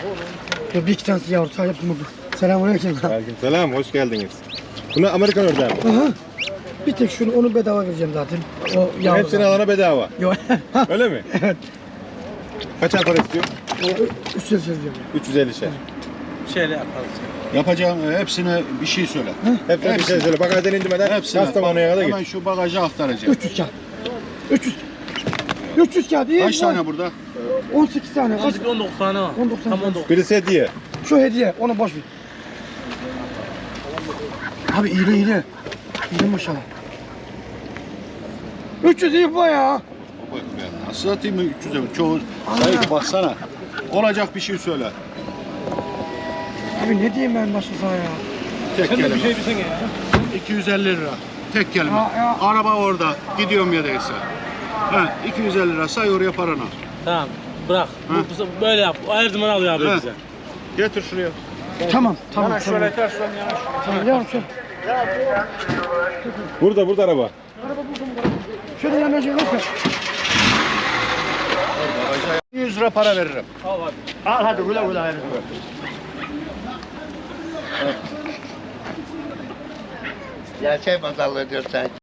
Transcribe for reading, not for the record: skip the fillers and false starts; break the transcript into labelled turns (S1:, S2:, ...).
S1: Bir iki tanesi yavru sahip burada. Selamünaleyküm.
S2: Aleykümselam, hoş geldiniz. Bunu Amerikan ördeği mi?
S1: Aha. Bir tek şunu onu bedava vereceğim zaten. O yavru.
S2: Hepsini alana bedava.
S1: Yok.
S2: Öyle mi?
S1: Evet.
S2: Kaçar para istiyor?
S1: 300 diyorum.
S2: 350 şey.
S3: Şöyle yaparız.
S4: Yapacağım hepsine bir şey söyle.
S2: Hepsine bir şey söyle. Bagajdan indirmeden
S4: Hepsine.
S2: Kastamonu'ya kadar
S4: Hemen
S2: git.
S4: şu bagaja aktaracağım.
S1: 300 kağıt. 300 kağıt iyi.
S4: Kaç tane burada?
S1: 18 tane. Kaç?
S3: 19 tane var.
S1: 19 tane.
S3: Tam 19.
S2: Birisi hediye.
S1: Şu hediye onu boş ver. Abi iyi. İyi maşallah. 300 iyi bu ya.
S4: Bak ben nasıl atayım 300'e? Çoğu sayı baksana. Olacak bir şey söyle.
S1: Abi ne diyeyim ben başınıza ya.
S4: Tek
S3: Sen de
S4: kelime.
S3: bir şey bilsen ya.
S4: 250 lira. Tek kelime.
S1: Ya.
S4: Araba orada. Gidiyorum ya değilse. Ha, 250 lira say oraya paranı.
S3: Tamam. Bırak. Böyle yap. Her zaman alıyor abi
S4: Ha.
S3: bize.
S4: Getir şuraya.
S1: Tamam.
S3: Yanaş şöyle ters dön yanaş.
S1: Tamam yavrum şöyle.
S2: Burada araba.
S1: Şöyle yanaşın lütfen.
S4: 100 lira para veririm.
S3: Al abi.
S1: Al hadi güle güle hayır.
S5: Gerçek pazarlığı diyor sen.